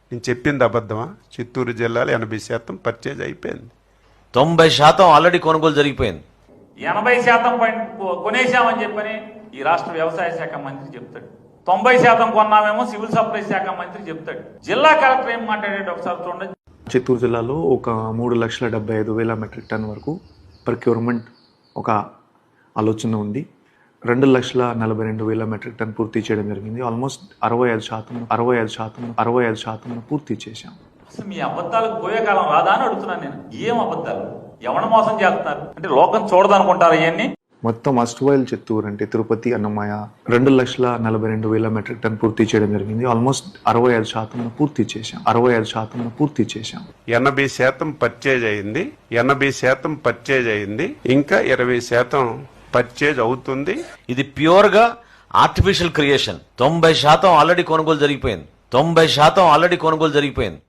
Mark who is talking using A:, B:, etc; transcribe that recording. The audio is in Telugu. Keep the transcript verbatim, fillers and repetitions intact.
A: నేను చెప్పింది అబద్ధమా? చిత్తూరు జిల్లాలో ఎనభై శాతం పర్చేజ్ అయిపోయింది.
B: తొంభై శాతం ఆల్రెడీ కొనుగోలు జరిగిపోయింది.
C: ఎనభై శాతం కొనేశామని చెప్పని ఈ రాష్ట్ర వ్యవసాయ శాఖ మంత్రి చెప్తాడు. తొంభై శాతం కొన్నామేమో సివిల్ సప్లై శాఖ మంత్రి చెప్తాడు. జిల్లా కలెక్టర్ ఏం మాట్లాడేది ఒకసారి చూడండి.
D: చిత్తూరు జిల్లాలో ఒక మూడు లక్షల డెబ్బై ఐదు వేల మెట్రిక్ టన్ వరకు ప్రొక్యూర్మెంట్ ఒక ఆలోచన ఉంది. రెండు లక్షల నలభై రెండు వేల మెట్రిక్ టన్ పూర్తి చేయడం జరిగింది. ఆల్మోస్ట్ అరవై ఐదు శాతం అరవై ఐదు శాతం అరవై ఐదు శాతం పూర్తి చేశాం.
C: అసలు మీ అబద్ధాలకు పోయే కాలం రాదా అని అడుగుతున్నాను నేను. ఏం అబద్ధాలు? ఎవరిని మోసం చేస్తున్నారు? అంటే లోకం చూడదనుకుంటారు ఇవన్నీ.
D: మొత్తం అస్టువైల్ చిత్తూరు అంటే తిరుపతి అన్నమయ్య రెండు లక్షల నలభై రెండు వేల మెట్రిక్ టన్ పూర్తి చేయడం జరిగింది. ఆల్మోస్ట్ అరవై ఐదు శాతం పూర్తి చేశాం అరవై ఐదు శాతం పూర్తి చేశాం
A: ఎనభై శాతం పర్చేజ్ అయింది. ఎనభై శాతం పర్చేజ్ అయింది. ఇంకా ఇరవై శాతం పర్చేజ్ అవుతుంది.
B: ఇది ప్యూర్ గా ఆర్టిఫిషియల్ క్రియేషన్. తొంభై శాతం ఆల్రెడీ కొనుగోలు జరిగిపోయింది. తొంభై శాతం ఆల్రెడీ కొనుగోలు జరిగిపోయింది.